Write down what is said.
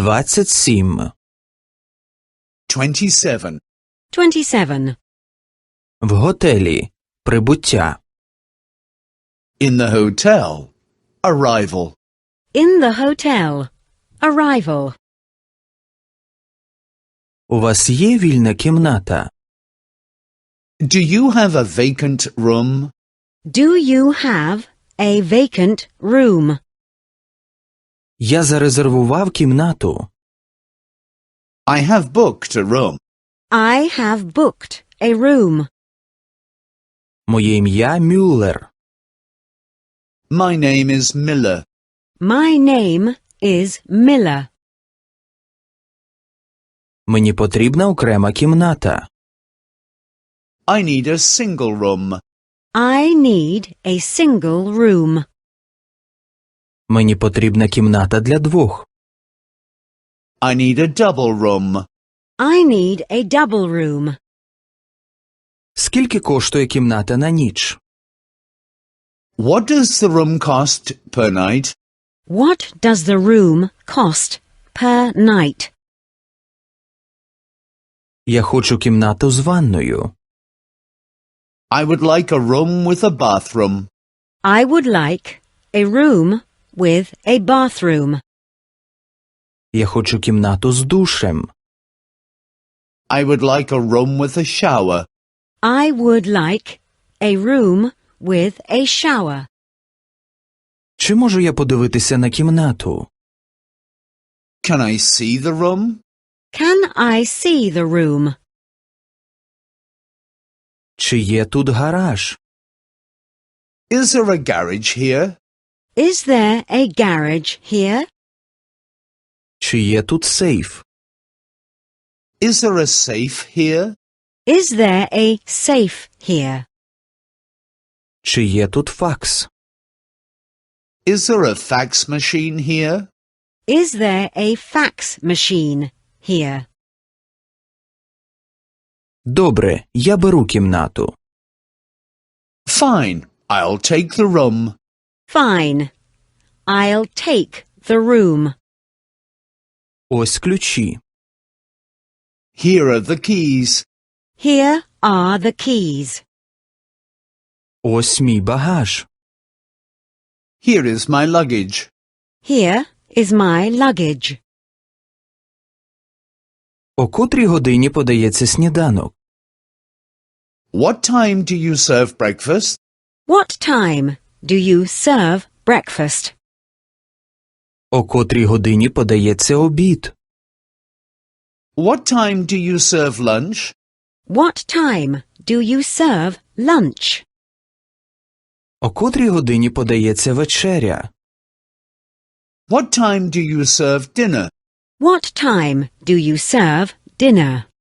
27. 27. 27. В готелі. Прибуття. In the hotel. Arrival. In the hotel. Arrival. У вас є вільна кімната? Do you have a vacant room? Do you have a vacant room? Я зарезервував кімнату. I have booked a room. I have booked a room. Моє ім'я Мюллер. My name is Miller. My name is Miller. Мені потрібна окрема кімната. I need a single room. I need a single room. Мені потрібна кімната для двох. I need a double room. I need a double room. Скільки коштує кімната на ніч? What does the room cost per night? What does the room cost per night? Я хочу кімнату з ванною. I would like a room with a bathroom. I would like a room with a bathroom. Я хочу кімнату з душем. I would like a room with a shower. I would like a room with a shower. Чи можу я подивитися на кімнату? Can I see the room? Can I see the room? Чи є тут гараж? Is there a garage here? Is there a garage here? Чи є тут сейф? Is there a safe here? Is there a safe here? Чи є тут факс? Is there a fax machine here? Is there a fax machine here? Добре, я беру кімнату. Fine, I'll take the room. Fine. I'll take the room. Ось ключі. Here are the keys. Here are the keys. Ось мій багаж. Here is my luggage. Here is my luggage. О котрій годині подається сніданок? What time do you serve breakfast? What time do you serve breakfast? О котрій годині подається обід? What time do you serve lunch? What time do you serve lunch? О котрій годині подається вечеря? What time do you serve dinner? What time do you serve dinner?